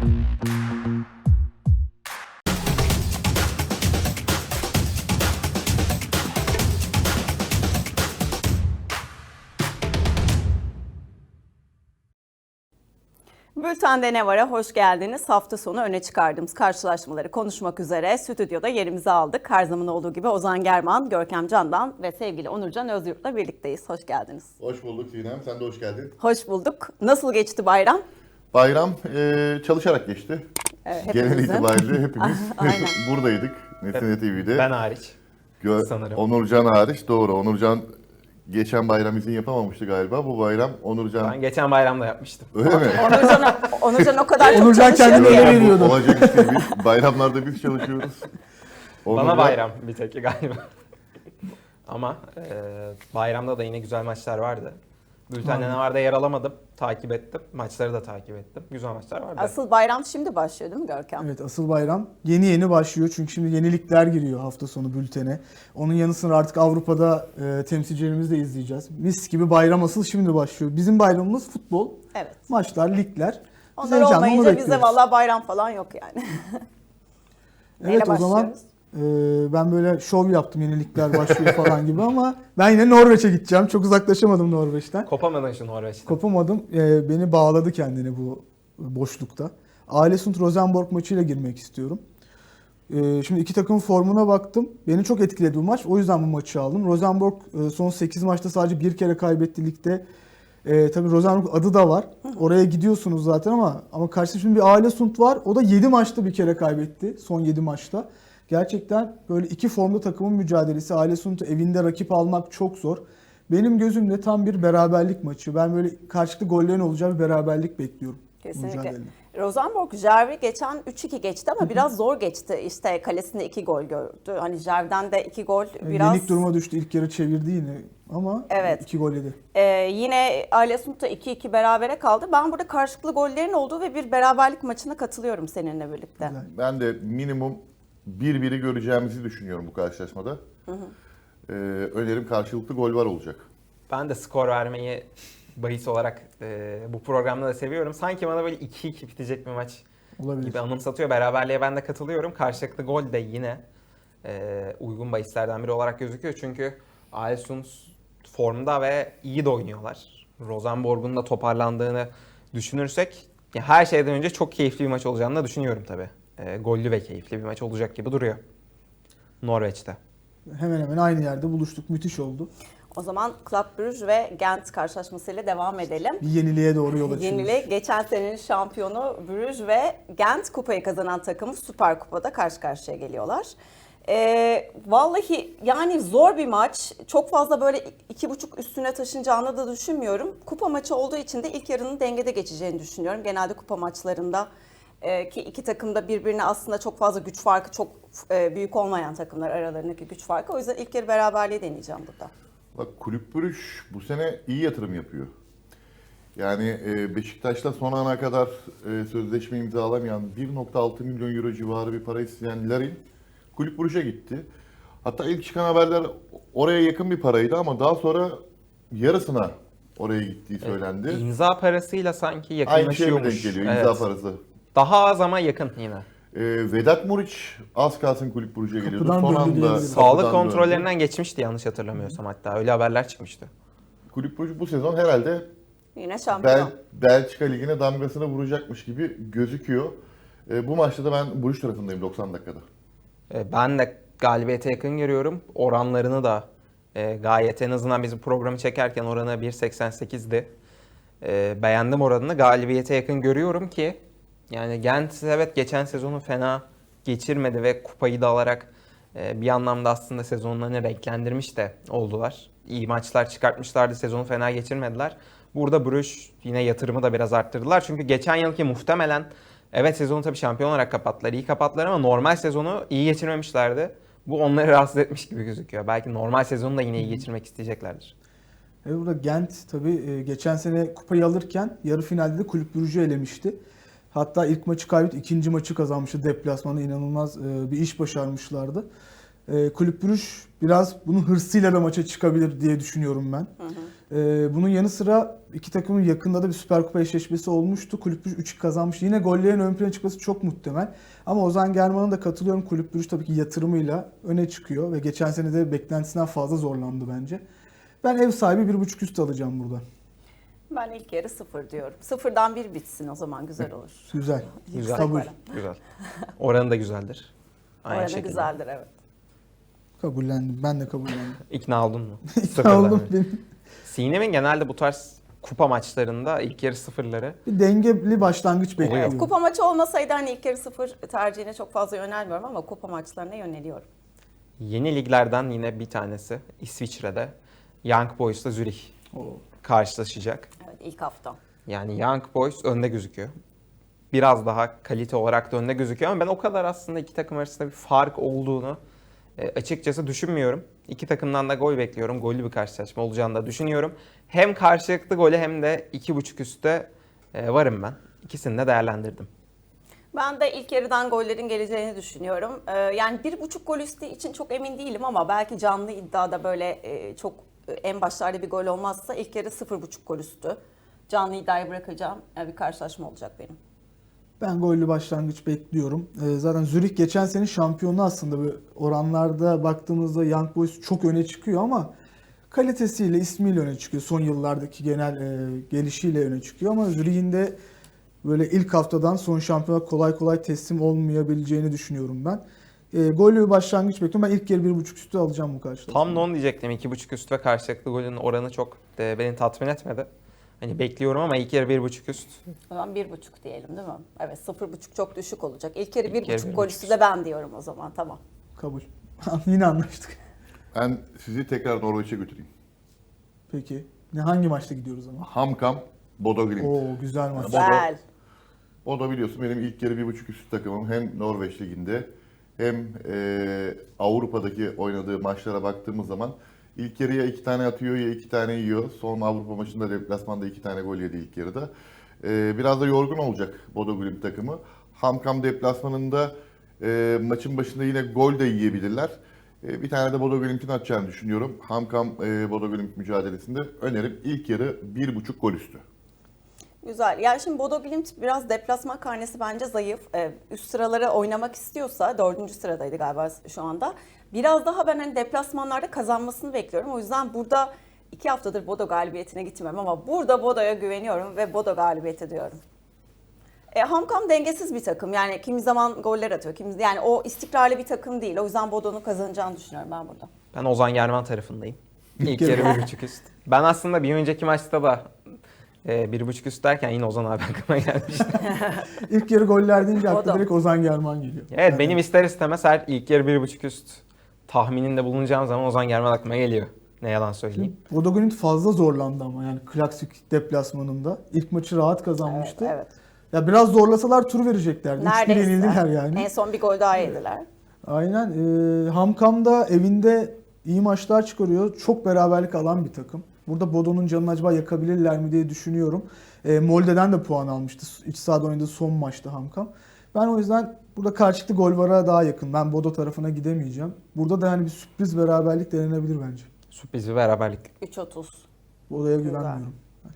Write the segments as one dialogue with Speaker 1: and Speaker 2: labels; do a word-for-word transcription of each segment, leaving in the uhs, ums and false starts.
Speaker 1: Bülten'de ne var'a hoş geldiniz. Hafta sonu öne çıkardığımız karşılaşmaları konuşmak üzere stüdyoda yerimizi aldık. Her zaman olduğu gibi Ozan German, Görkem Candan ve sevgili Onurcan Özyurt'la birlikteyiz. Hoş geldiniz.
Speaker 2: Hoş bulduk Sinem, sen de hoş geldin.
Speaker 1: Hoş bulduk. Nasıl geçti bayram?
Speaker 2: Bayram e, çalışarak geçti.
Speaker 1: Evet,
Speaker 2: Genel itibariyle hepimiz buradaydık Nesine T V'de.
Speaker 3: Ben hariç.
Speaker 2: Gö-
Speaker 3: sanırım.
Speaker 2: Onurcan hariç, doğru. Onurcan geçen bayram izin yapamamıştı galiba. Bu bayram Onurcan...
Speaker 3: Ben geçen bayramda yapmıştım.
Speaker 2: Öyle mi?
Speaker 1: Onurcan, Onurcan o kadar çok
Speaker 4: Onurcan kendini
Speaker 1: çalışıyor
Speaker 4: ele
Speaker 1: ki.
Speaker 4: veriyordu.
Speaker 2: Olacak iş değil. Biz bayramlarda biz çalışıyoruz.
Speaker 3: Bana
Speaker 2: Onurcan-
Speaker 3: bayram bir tek galiba. Ama e, bayramda da yine güzel maçlar vardı. Bülten'de ne vardı yer alamadım. Takip ettim. Maçları da takip ettim. Güzel maçlar vardı.
Speaker 1: Asıl bayram şimdi başlıyor değil mi Görkem?
Speaker 4: Evet, asıl bayram yeni yeni başlıyor çünkü şimdi yenilikler giriyor hafta sonu bültene. Onun yanı sıra artık Avrupa'da e, temsilcilerimizi de izleyeceğiz. Mis gibi bayram asıl şimdi başlıyor. Bizim bayramımız futbol,
Speaker 1: Evet.
Speaker 4: maçlar, ligler. Biz
Speaker 1: Onlar
Speaker 4: heyecanla onu
Speaker 1: olmayınca bize
Speaker 4: bekliyoruz.
Speaker 1: vallahi bayram falan yok yani. Neyle
Speaker 4: Evet, o zaman
Speaker 1: başlıyoruz?
Speaker 4: e, ben böyle şov yaptım yenilikler başlıyor falan gibi ama ben yine Norveç'e gideceğim. Çok uzaklaşamadım Norveç'ten.
Speaker 3: Kopamadın şu Norveç'te.
Speaker 4: Kopamadım. E, beni bağladı kendine bu boşlukta. Alesund Rosenborg maçıyla girmek istiyorum. E, şimdi iki takımın formuna baktım. Beni çok etkiledi bu maç. O yüzden bu maçı aldım. Rosenborg e, son sekiz maçta sadece bir kere kaybetti ligde. E, tabii Rosenborg adı da var. Oraya gidiyorsunuz zaten ama ama karşısında şimdi bir Alesund var. O da yedi maçta bir kere kaybetti. Son yedi maçta. Gerçekten böyle iki formda takımın mücadelesi. Alesund'u evinde rakip almak çok zor. Benim gözümde tam bir beraberlik maçı. Ben böyle karşılıklı gollerin olacağı bir beraberlik bekliyorum.
Speaker 1: Kesinlikle.
Speaker 4: Mücadelede.
Speaker 1: Rosenborg Jervi geçen üç iki geçti ama biraz zor geçti. İşte kalesinde iki gol gördü. Hani Jerv'den de iki gol biraz...
Speaker 4: Yenik duruma düştü. İlk yarı çevirdi yine ama
Speaker 1: Evet.
Speaker 4: iki gol yedi.
Speaker 1: Ee, yine Alesund da iki iki berabere kaldı. Ben burada karşılıklı gollerin olduğu ve bir beraberlik maçına katılıyorum seninle birlikte.
Speaker 4: Güzel.
Speaker 2: Ben de minimum bir biri göreceğimizi düşünüyorum bu karşılaşmada. Hı hı. Ee, önerim karşılıklı gol var olacak.
Speaker 3: Ben de skor vermeyi bahis olarak e, bu programda da seviyorum. Sanki bana böyle iki iki bitecek bir maç
Speaker 4: Olabilir.
Speaker 3: gibi anımsatıyor. Beraberliğe ben de katılıyorum. Karşılıklı gol de yine e, uygun bahislerden biri olarak gözüküyor. Çünkü Alesund formda ve iyi de oynuyorlar. Rosenborg'un da toparlandığını düşünürsek ya her şeyden önce çok keyifli bir maç olacağını da düşünüyorum tabii. E, gollü ve keyifli bir maç olacak gibi duruyor. Norveç'te.
Speaker 4: Hemen hemen aynı yerde buluştuk. Müthiş oldu.
Speaker 1: O zaman Club Brugge ve Gent karşılaşmasıyla devam edelim.
Speaker 4: Bir yeniliğe doğru yol açıyoruz.
Speaker 1: Yenilik, geçen senenin şampiyonu Brugge ve Gent kupayı kazanan takımı Süper Kupa'da karşı karşıya geliyorlar. Ee, vallahi yani zor bir maç. Çok fazla böyle iki buçuk üstüne taşınacağını da düşünmüyorum. Kupa maçı olduğu için de ilk yarının dengede geçeceğini düşünüyorum. Genelde kupa maçlarında e, ki iki takım da birbirine aslında çok fazla güç farkı, çok e, büyük olmayan takımlar aralarındaki güç farkı. O yüzden ilk yarı beraberliği deneyeceğim burada.
Speaker 2: Bak Kulüp Brugge bu sene iyi yatırım yapıyor. Yani e, Beşiktaş'la son ana kadar e, sözleşme imzalamayan bir nokta altı milyon euro civarı bir para isteyen Larin Kulüp Brugge'e gitti. Hatta ilk çıkan haberler oraya yakın bir paraydı ama daha sonra yarısına oraya gittiği söylendi.
Speaker 3: Evet, imza parasıyla sanki
Speaker 2: Aynı şeye mi denk
Speaker 3: yakınlaşıyormuş.
Speaker 2: geliyor imza
Speaker 3: Evet.
Speaker 2: parası?
Speaker 3: Daha az ama yakın yine.
Speaker 2: E, Vedat Muriç az kalsın Kulüp Brugge'e geliyordu.
Speaker 4: Kapıdan
Speaker 2: Son
Speaker 4: döndü
Speaker 2: anda
Speaker 4: diyebiliriz.
Speaker 3: Sağlık
Speaker 2: kapıdan
Speaker 3: kontrollerinden
Speaker 2: döndü.
Speaker 3: geçmişti yanlış hatırlamıyorsam hatta. Öyle haberler çıkmıştı.
Speaker 2: Kulüp Brugge bu sezon herhalde
Speaker 1: Yine şampiyon.
Speaker 2: Bel, Belçika Ligi'ne damgasını vuracakmış gibi gözüküyor. E, bu maçta da ben Bruges tarafındayım doksan dakikada.
Speaker 3: E, Ben de galibiyete yakın görüyorum. Oranlarını da e, gayet en azından bizim programı çekerken oranı bir seksen sekizdi. E, beğendim oranını. Galibiyete yakın görüyorum ki yani Gent evet geçen sezonu fena geçirmedi ve kupayı da alarak e, bir anlamda aslında sezonlarını renklendirmiş de oldular. İyi maçlar çıkartmışlardı. Sezonu fena geçirmediler. Burada Bruges yine yatırımı da biraz arttırdılar. Çünkü geçen yılki muhtemelen evet sezonu tabii şampiyon olarak kapattılar. İyi kapattılar ama normal sezonu iyi geçirmemişlerdi. Bu onları rahatsız etmiş gibi gözüküyor. Belki normal sezonu da yine iyi geçirmek isteyeceklerdir.
Speaker 4: Evet, burada Gent tabii geçen sene kupayı alırken yarı finalde de Kulüp Brugge'ü elemişti. Hatta ilk maçı kaybetti, ikinci maçı kazanmıştı deplasmanda. İnanılmaz bir iş başarmışlardı. E, Kulüp Brugge biraz bunun hırsıyla da maça çıkabilir diye düşünüyorum ben.
Speaker 1: Hı hı.
Speaker 4: E, bunun yanı sıra iki takımın yakında da bir Süper Kupa eşleşmesi olmuştu. Kulüp Brugge üç iki kazanmış. Yine gollerin ön plana çıkması çok muhtemel. Ama Ozan Germán'a da katılıyorum. Kulüp Brugge tabii ki yatırımıyla öne çıkıyor ve geçen sene de beklentisinden fazla zorlandı bence. Ben ev sahibi bir buçuk üstü alacağım burada.
Speaker 1: Ben ilk yarı sıfır diyorum. Sıfırdan bir bitsin o zaman güzel olur.
Speaker 4: Güzel.
Speaker 3: Güzel.
Speaker 4: Kabul.
Speaker 3: Güzel. Oranı da güzeldir. Aynı
Speaker 1: Oranı
Speaker 3: şekilde.
Speaker 1: güzeldir evet.
Speaker 4: Kabullendim. Ben de kabullendim.
Speaker 3: İkna oldun mu?
Speaker 4: İkna
Speaker 3: Sıfırdan
Speaker 4: oldum.
Speaker 3: bir.
Speaker 4: Benim
Speaker 3: Sinem'in genelde bu tarz kupa maçlarında ilk yarı sıfırları
Speaker 4: bir dengeli başlangıç
Speaker 3: Oluyor.
Speaker 4: bekliyorum.
Speaker 1: Kupa maçı olmasaydı hani ilk yarı sıfır tercihine çok fazla yönelmiyorum ama kupa maçlarına yöneliyorum.
Speaker 3: yeni liglerden yine bir tanesi İsviçre'de Young Boys'la Zürich
Speaker 4: Oo.
Speaker 3: karşılaşacak.
Speaker 1: Evet ilk hafta.
Speaker 3: Yani Young Boys önde gözüküyor. Biraz daha kalite olarak da önde gözüküyor ama ben o kadar aslında iki takım arasında bir fark olduğunu e, açıkçası düşünmüyorum. İki takımdan da gol bekliyorum. Gollü bir karşılaşma olacağını da düşünüyorum. Hem karşılıklı golü hem de iki buçuk üstte e, varım ben. İkisini de değerlendirdim.
Speaker 1: Ben de ilk yarıdan gollerin geleceğini düşünüyorum. Ee, yani bir buçuk gol üstü için çok emin değilim ama belki canlı iddiada böyle e, çok e, en başlarda bir gol olmazsa ilk yarı sıfır buçuk gol üstü. Canlı iddiayı bırakacağım. Yani bir karşılaşma olacak benim.
Speaker 4: Ben gollü başlangıç bekliyorum. Ee, zaten Zürich geçen sene şampiyonu aslında. Böyle oranlarda baktığımızda Young Boys çok öne çıkıyor ama kalitesiyle, ismiyle öne çıkıyor. Son yıllardaki genel e, gelişiyle öne çıkıyor ama Zürich'in de böyle ilk haftadan son şampiyona kolay kolay teslim olmayabileceğini düşünüyorum ben. E, gollü bir başlangıç bekliyorum. Ben ilk yarı bir buçuk üstü alacağım bu karşılaşmada.
Speaker 3: Tam da onu diyecektim. iki buçuk üst ve karşılıklı golün oranı çok e, beni tatmin etmedi. Hani bekliyorum ama ilk yarı bir buçuk üst.
Speaker 1: O zaman bir buçuk diyelim değil mi? Evet sıfır buçuk çok düşük olacak. İlk yarı
Speaker 3: İlk
Speaker 1: bir
Speaker 3: yarı
Speaker 1: buçuk
Speaker 3: bir
Speaker 1: gol
Speaker 3: buçuk
Speaker 1: üstü de ben diyorum o zaman tamam.
Speaker 4: Kabul. Yine anlaştık.
Speaker 2: Ben sizi tekrar Norveç'e götüreyim.
Speaker 4: Peki. Ne hangi maçta gidiyoruz ama?
Speaker 2: Hamkam, Bodo Glimt.
Speaker 4: Oo güzel maç.
Speaker 2: Bodo-
Speaker 1: Güzel.
Speaker 2: O da biliyorsun benim ilk yarı bir buçuk üstü takımım. Hem Norveç Ligi'nde hem e, Avrupa'daki oynadığı maçlara baktığımız zaman ilk yarıya iki tane atıyor ya iki tane yiyor. Son Avrupa maçında deplasmanda iki tane gol yedi ilk yarıda. E, biraz da yorgun olacak Bodo Glimt takımı. Hamkam deplasmanında e, maçın başında yine gol de yiyebilirler. E, bir tane de Bodo Glimt'in atacağını düşünüyorum. Hamkam e, Bodo Glimt mücadelesinde önerim ilk yarı bir buçuk gol üstü.
Speaker 1: Güzel. Yani şimdi Bodo Glimt biraz deplasman karnesi bence zayıf. Ee, üst sıraları oynamak istiyorsa, dördüncü sıradaydı galiba şu anda. Biraz daha ben hani deplasmanlarda kazanmasını bekliyorum. O yüzden burada iki haftadır Bodo galibiyetine gitmiyorum ama burada Bodo'ya güveniyorum ve Bodo galibiyeti diyorum. E, Hamkam dengesiz bir takım. Yani kimi zaman goller atıyor. Kimi, yani o istikrarlı bir takım değil. O yüzden Bodo'nun kazanacağını düşünüyorum ben burada.
Speaker 3: Ben Ozan Germán tarafındayım. İlk
Speaker 4: yarı.
Speaker 3: yarı bir buçuk üst. Ben aslında bir önceki maçta da e, bir buçuk üst derken yine Ozan abi aklıma gelmişti.
Speaker 4: İlk yarı goller deyince
Speaker 1: O
Speaker 4: akla
Speaker 1: da.
Speaker 4: direkt Ozan Germán geliyor.
Speaker 3: Evet
Speaker 4: Yani
Speaker 3: benim ister istemez her ilk yarı bir buçuk üst tahmininde bulunacağım zaman Ozan Germán aklıma geliyor. Ne yalan söyleyeyim.
Speaker 4: Bodo Glimt fazla zorlandı ama yani klasik deplasmanında. İlk maçı rahat kazanmıştı.
Speaker 1: Evet, evet.
Speaker 4: Ya biraz zorlasalar tur vereceklerdi. üç bir
Speaker 1: Neredeyse.
Speaker 4: yenildiler yani.
Speaker 1: En son bir gol daha yediler.
Speaker 4: Aynen. Ee, Hamkam da evinde iyi maçlar çıkarıyor. Çok beraberlik alan bir takım. Burada Bodo'nun canını acaba yakabilirler mi diye düşünüyorum. Ee, Molde'den de puan almıştı. İç sahada oynadığı son maçta Hamkam. Ben o yüzden burada karşılıklı gol vara daha yakın. Ben Bodo tarafına gidemeyeceğim. Burada da yani bir sürpriz beraberlik denenebilir bence.
Speaker 3: Sürpriz bir beraberlik.
Speaker 1: üç otuz.
Speaker 4: Bodo'ya
Speaker 1: Güzel.
Speaker 4: güvenmiyorum.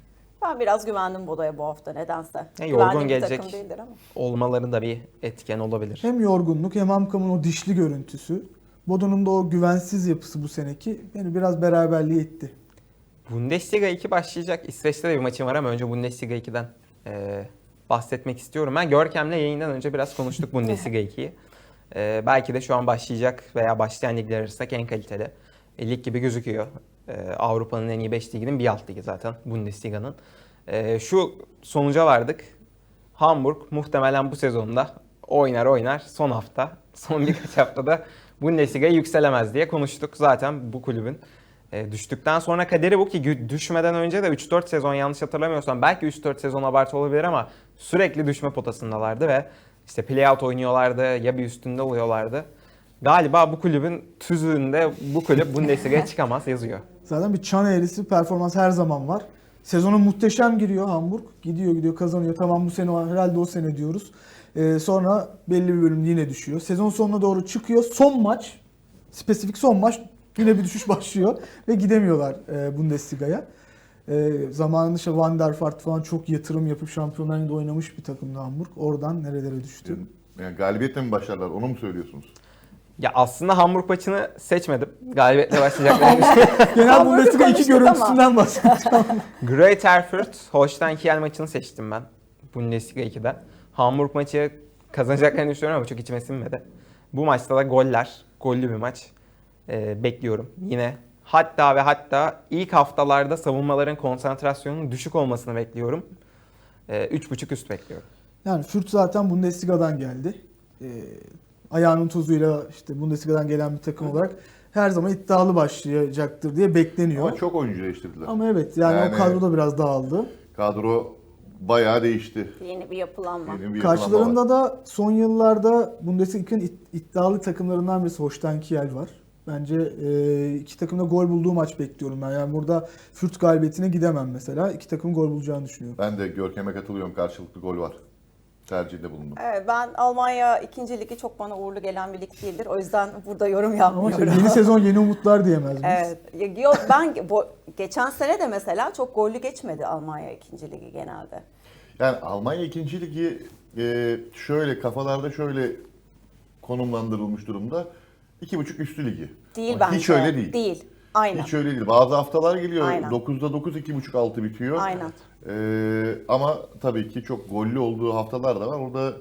Speaker 1: Ben biraz güvendim Bodo'ya bu hafta nedense.
Speaker 3: Ya, yorgun
Speaker 1: Güvendiğim bir
Speaker 3: gelecek.
Speaker 1: takım değildir ama.
Speaker 3: Olmaları da bir etken olabilir.
Speaker 4: Hem yorgunluk hem Hamkam'ın o dişli görüntüsü. Bodo'nun da o güvensiz yapısı bu seneki beni biraz beraberliğe itti.
Speaker 3: Bundesliga iki başlayacak. İsveç'te de bir maçım var ama önce Bundesliga ikiden e, bahsetmek istiyorum. Ben Görkem'le yayından önce biraz konuştuk Bundesliga ikiyi. E, belki de şu an başlayacak veya başlayan ligler arasındaki en kaliteli e, lig gibi gözüküyor. E, Avrupa'nın en iyi beş liginin bir alt ligi zaten Bundesliga'nın. E, şu sonuca vardık. Hamburg muhtemelen bu sezonda oynar oynar son hafta, son birkaç haftada Bundesliga'ya yükselemez diye konuştuk. Zaten bu kulübün e, düştükten sonra kaderi bu ki gü- düşmeden önce de üç dört sezon yanlış hatırlamıyorsam belki üç dört sezon abartı olabilir ama sürekli düşme potasındalardı ve işte playout oynuyorlardı ya bir üstünde oluyorlardı. Galiba bu kulübün tüzüğünde bu kulüp Bundesliga'ya çıkamaz yazıyor.
Speaker 4: Zaten bir çan eğrisi performans her zaman var. Sezona muhteşem giriyor Hamburg. Gidiyor gidiyor kazanıyor. Tamam bu sene herhalde o sene diyoruz. Ee, sonra belli bir bölüm yine düşüyor. Sezon sonuna doğru çıkıyor. Son maç spesifik son maç yine bir düşüş başlıyor ve gidemiyorlar e, Bundesliga'ya. E, zamanında işte Van der Vaart falan çok yatırım yapıp Şampiyonlar Ligi'nde oynamış bir takımdı Hamburg. Oradan nerelere düştü.
Speaker 2: Yani galibiyetle mi başlarlar? Onu mu söylüyorsunuz?
Speaker 3: Ya aslında Hamburg maçını seçmedim. Galibiyetle başlayacaklarını düşünüyorum.
Speaker 4: Genel
Speaker 1: Hamburg'u
Speaker 4: Bundesliga iki
Speaker 1: konuştuk
Speaker 4: görüntüsünden bahsedeceğim.
Speaker 3: Greuther Erfurt, Holstein Kiel maçını seçtim ben. Bundesliga ikide. Hamburg maçı kazanacaklarını düşünüyorum ama çok içime sinmedi. Bu maçta da goller, gollü bir maç ee, bekliyorum. Yine hatta ve hatta ilk haftalarda savunmaların konsantrasyonunun düşük olmasını bekliyorum. Ee, üç buçuk üst bekliyorum.
Speaker 4: Yani Fürth zaten Bundesliga'dan geldi. E, ayağının tozuyla işte Bundesliga'dan gelen bir takım olarak her zaman iddialı başlayacaktır diye bekleniyor.
Speaker 2: Ama çok oyuncu değiştirdiler.
Speaker 4: Ama evet yani,
Speaker 2: Yani-
Speaker 4: o kadro da biraz dağıldı.
Speaker 2: Kadro bayağı değişti.
Speaker 1: Yeni bir yapılanma.
Speaker 2: Yeni bir yapılanma var.
Speaker 4: Karşılarında da son yıllarda Bundesliga'nın it- iddialı takımlarından birisi Holstein Kiel var. Bence e, iki takımda gol bulduğu maç bekliyorum ben. Yani burada Fürth galibiyetine gidemem mesela. İki takım gol bulacağını düşünüyorum.
Speaker 2: Ben de Görkem'e katılıyorum. Karşılıklı gol var. Tercihinde bulundum.
Speaker 1: Evet, ben Almanya ikinci ligi çok bana uğurlu gelen bir lig değildir. O yüzden burada yorum
Speaker 4: Ama şey,
Speaker 1: yapmıyorum.
Speaker 4: yeni sezon yeni umutlar diyemez miyiz?
Speaker 1: Evet. Yok, ben bu, geçen sene de mesela çok gollü geçmedi Almanya ikinci ligi genelde.
Speaker 2: Yani Almanya ikinci ligi e, şöyle kafalarda şöyle konumlandırılmış durumda. İki buçuk üstü ligi.
Speaker 1: Değil
Speaker 2: Ama
Speaker 1: bence.
Speaker 2: Hiç öyle değil.
Speaker 1: Değil. Aynen.
Speaker 2: Hiç öyle değil. Bazı haftalar geliyor.
Speaker 1: Aynen.
Speaker 2: dokuzda dokuz, iki buçuk altı bitiyor.
Speaker 1: Aynen.
Speaker 2: E, ama tabii ki çok gollü olduğu haftalar da var. Orada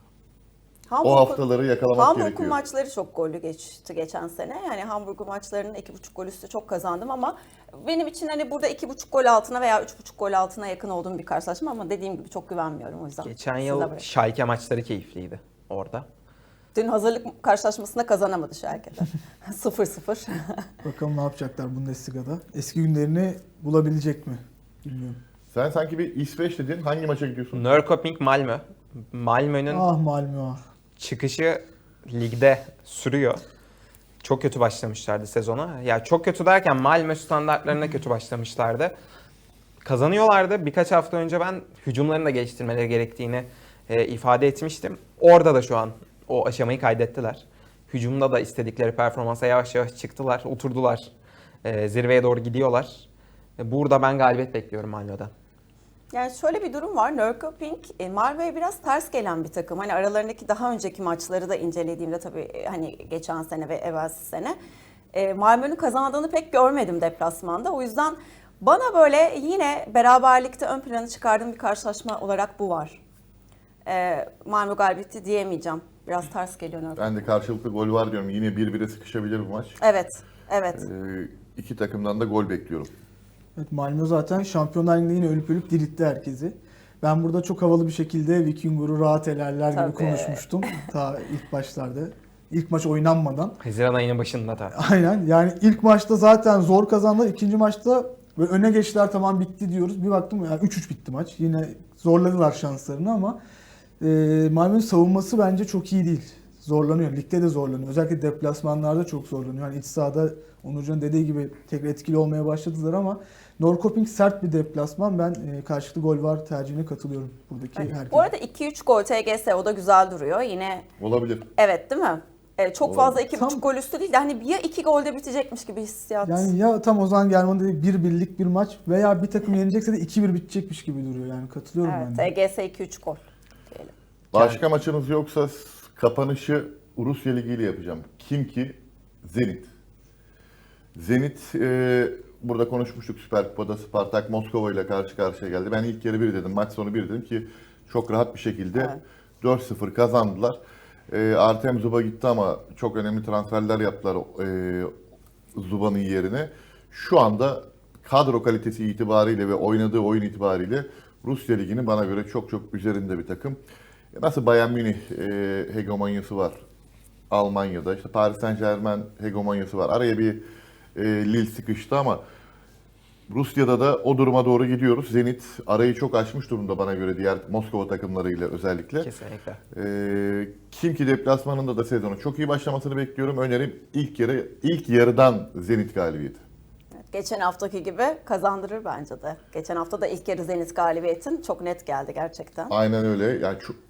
Speaker 1: Hamburg-
Speaker 2: o haftaları yakalamak
Speaker 1: Hamburg'un
Speaker 2: gerekiyor.
Speaker 1: maçları çok gollü geçti geçen sene. Yani Hamburg'un maçlarının iki buçuk gol üstü çok kazandım ama benim için hani burada iki buçuk gol altına veya üç buçuk gol altına yakın olduğum bir karşılaşma ama dediğim gibi çok güvenmiyorum o yüzden.
Speaker 3: Geçen
Speaker 1: size
Speaker 3: yıl
Speaker 1: bırakıyorum.
Speaker 3: Schalke maçları keyifliydi orada.
Speaker 1: Dün hazırlık karşılaşmasında kazanamadı Schalke'de. sıfır sıfır.
Speaker 4: Bakalım ne yapacaklar Bundesliga'da. Eski günlerini bulabilecek mi? Bilmiyorum.
Speaker 2: Sen sanki bir İsveç dedin. Hangi maça gidiyorsun?
Speaker 3: Norrköping Malmö. Malmö'nün
Speaker 4: Ah Malmö ah.
Speaker 3: çıkışı ligde sürüyor. Çok kötü başlamışlardı sezona. Ya çok kötü derken Malmö standartlarına kötü başlamışlardı. Kazanıyorlardı. Birkaç hafta önce ben hücumlarını da geliştirmeleri gerektiğini e, ifade etmiştim. Orada da şu an o aşamayı kaydettiler. Hücumda da istedikleri performansa yavaş yavaş çıktılar, oturdular. E, zirveye doğru gidiyorlar. E, burada ben galibiyet bekliyorum Malmö'den.
Speaker 1: Yani şöyle bir durum var. Norrköping e, Malmö'ye biraz ters gelen bir takım. Hani aralarındaki daha önceki maçları da incelediğimde tabii e, hani geçen sene ve evvelsi sene e, Malmö'nün kazandığını pek görmedim deplasmanda. O yüzden bana böyle yine beraberlikte ön plana çıkardığım bir karşılaşma olarak bu var. E, Malmö galibiyeti diyemeyeceğim. Biraz ters geliyor Norrköping.
Speaker 2: Ben de karşılıklı gol var diyorum. Yine bir bire sıkışabilir bu maç.
Speaker 1: Evet, evet.
Speaker 2: Ee, iki takımdan da gol bekliyorum.
Speaker 4: Evet, Malmö zaten Şampiyonlar Ligi'nde yine ölüp ölüp diritti herkesi. Ben burada çok havalı bir şekilde Vikingur'u rahat elerler gibi
Speaker 1: Tabii.
Speaker 4: konuşmuştum. Ta ilk başlarda. İlk maç oynanmadan.
Speaker 3: Haziran ayının başında da.
Speaker 4: Aynen yani ilk maçta zaten zor kazandılar. İkinci maçta böyle öne geçtiler tamam bitti diyoruz. Bir baktım yani üç üç bitti maç. Yine zorladılar şanslarını ama e, Malmö'nün savunması bence çok iyi değil. Zorlanıyor. Ligde de zorlanıyor. Özellikle deplasmanlarda çok zorlanıyor. Yani iç sahada Onurcan'ın dediği gibi tekrar etkili olmaya başladılar ama Norrköping sert bir deplasman. Ben e, karşılıklı gol var tercihine katılıyorum buradaki
Speaker 1: Evet.
Speaker 4: herkese.
Speaker 1: Bu arada iki üç gol T G S o da güzel duruyor. Yine
Speaker 2: Olabilir.
Speaker 1: evet değil mi? Evet, çok
Speaker 2: Doğru.
Speaker 1: fazla iki
Speaker 4: Tam-
Speaker 1: buçuk gol üstü değil de hani ya iki golde bitecekmiş gibi hissiyat.
Speaker 4: Yani ya tam Ozan Germán dedi bir birlik bir maç veya bir takım yenecekse de iki bir bitecekmiş gibi duruyor. Yani katılıyorum
Speaker 1: Evet,
Speaker 4: ben
Speaker 1: T
Speaker 4: de.
Speaker 1: G S iki üç gol diyelim.
Speaker 2: Başka maçınız yoksa s- kapanışı Rusya Ligi ile yapacağım. Kim ki? Zenit. Zenit e, burada konuşmuştuk Süper Kupa'da Spartak Moskova ile karşı karşıya geldi. Ben ilk yarı bir dedim, maç sonu bir dedim ki çok rahat bir şekilde
Speaker 1: Evet.
Speaker 2: dört sıfır kazandılar. E, Artem Zuba gitti ama çok önemli transferler yaptılar e, Zuba'nın yerine. Şu anda kadro kalitesi itibariyle ve oynadığı oyun itibariyle Rusya Ligi'nin bana göre çok çok üzerinde bir takım. Nasıl Bayern Münih e, hegemonyası var Almanya'da, işte Paris Saint-Germain hegemonyası var. Araya bir e, Lille sıkıştı ama Rusya'da da o duruma doğru gidiyoruz. Zenit arayı çok aşmış durumda bana göre diğer Moskova takımlarıyla özellikle.
Speaker 3: Kesinlikle.
Speaker 2: E, kim ki deplasmanında da sezonu çok iyi başlamasını bekliyorum. Önerim ilk yarı ilk yarıdan Zenit galibiyeti.
Speaker 1: Evet, geçen haftaki gibi kazandırır bence de. Geçen hafta da ilk yarı Zenit galibiyetin çok net geldi gerçekten.
Speaker 2: Aynen öyle. Yani çok,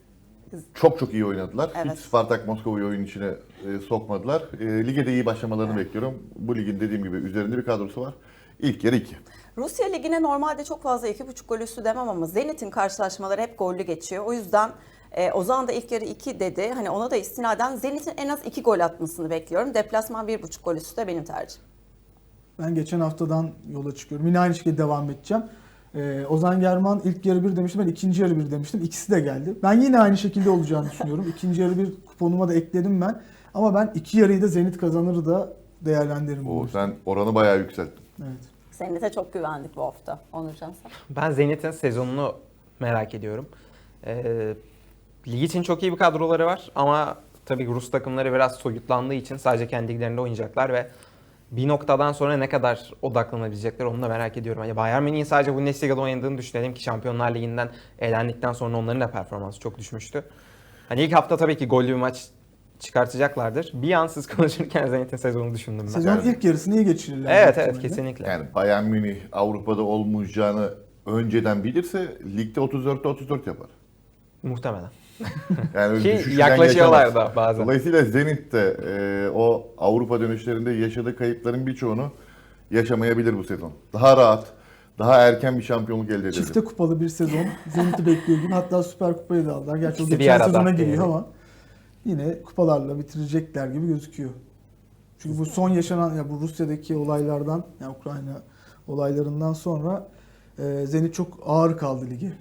Speaker 2: çok çok iyi oynadılar.
Speaker 1: Evet.
Speaker 2: Hiç Spartak Moskova'yı oyun içine e, sokmadılar. E, lige de iyi başlamalarını bekliyorum. Bu ligin dediğim gibi üzerinde bir kadrosu var. İlk yarı iki.
Speaker 1: Rusya Ligi'ne normalde çok fazla iki buçuk gol üstü demem ama Zenit'in karşılaşmaları hep gollü geçiyor. O yüzden e, Ozan da ilk yarı iki dedi. Hani ona da istinaden Zenit'in en az iki gol atmasını bekliyorum. Deplasman bir buçuk gol üstü de benim tercihim.
Speaker 4: Ben geçen haftadan yola çıkıyorum. Yine aynı şekilde devam edeceğim. Ee, Ozan German ilk yarı bir demiştim, ben ikinci yarı bir demiştim. İkisi de geldi. Ben yine aynı şekilde olacağını düşünüyorum. İkinci yarı bir kuponuma da ekledim ben. Ama ben iki yarıyı da Zenit kazanır da değerlendiririm.
Speaker 2: O sen oranı bayağı yükselttin.
Speaker 4: Evet.
Speaker 1: Zenit'e çok güvendik bu hafta. Onurcan sen.
Speaker 3: Ben Zenit'in sezonunu merak ediyorum. Ee, lig için çok iyi bir kadroları var ama tabii Rus takımları biraz soyutlandığı için sadece kendi liglerinde oynayacaklar ve bir noktadan sonra ne kadar odaklanabilecekler onu da merak ediyorum. Yani Bayern Münih'in sadece Bundesliga'da oynadığını düşünelim ki Şampiyonlar Ligi'nden elendikten sonra onların da performansı çok düşmüştü. Hani ilk hafta tabii ki gollü bir maç çıkartacaklardır. Bir an siz konuşurken Zenit'in sezonunu düşündüm ben.
Speaker 4: Sezonun
Speaker 2: Yani-
Speaker 4: ilk yarısını iyi geçirirler.
Speaker 3: Evet
Speaker 4: muhtemelen.
Speaker 3: evet kesinlikle.
Speaker 2: Yani Bayern Münih Avrupa'da olmayacağını önceden bilirse ligde otuz dörtte otuz dört yapar.
Speaker 3: Muhtemelen.
Speaker 2: Yani öyle
Speaker 3: Ki
Speaker 2: düşüşünden
Speaker 3: yaklaşıyorlar
Speaker 2: geçemez.
Speaker 3: da bazen.
Speaker 2: Dolayısıyla Zenit de e, o Avrupa dönüşlerinde yaşadığı kayıpların birçoğunu yaşamayabilir bu sezon. Daha rahat, daha erken bir şampiyonluk elde edebilir.
Speaker 4: Çifte kupalı bir sezon. Zenit'i bekliyor gibi. Hatta Süper Kupayı da aldılar. Gerçi o
Speaker 3: İkisi bir
Speaker 4: geçen
Speaker 3: arada
Speaker 4: sezona giriyor
Speaker 3: diyelim.
Speaker 4: ama yine kupalarla bitirecekler gibi gözüküyor. Çünkü bu son yaşanan ya bu Rusya'daki olaylardan, ya Ukrayna olaylarından sonra e, Zenit çok ağır kaldı ligi.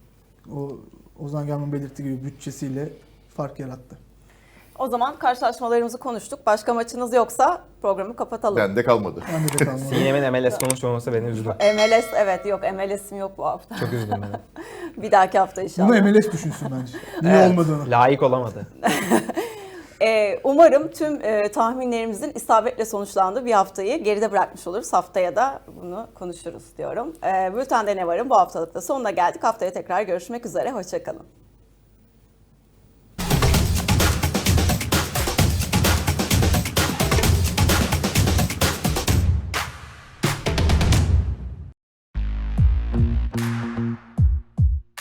Speaker 4: O Ozan Germen belirttiği gibi bütçesiyle fark yarattı.
Speaker 1: O zaman karşılaşmalarımızı konuştuk. Başka maçınız yoksa programı kapatalım.
Speaker 2: Bende kalmadı.
Speaker 4: Ben de kalmadı.
Speaker 3: Sinem'in M L S konuşmaması beni üzdü.
Speaker 1: M L S evet yok M L S'im yok bu hafta.
Speaker 3: Çok üzdüm beni.
Speaker 1: Bir dahaki hafta inşallah.
Speaker 4: Bunu M L S düşünsün bence. Niye
Speaker 3: Evet,
Speaker 4: olmadığını.
Speaker 3: Layık olamadı.
Speaker 1: Ee, umarım tüm e, tahminlerimizin isabetle sonuçlandığı bir haftayı geride bırakmış oluruz. Haftaya da bunu konuşuruz diyorum. Ee, Bülten'de ne varım bu haftalıkta sonuna geldik. Haftaya tekrar görüşmek üzere. Hoşçakalın.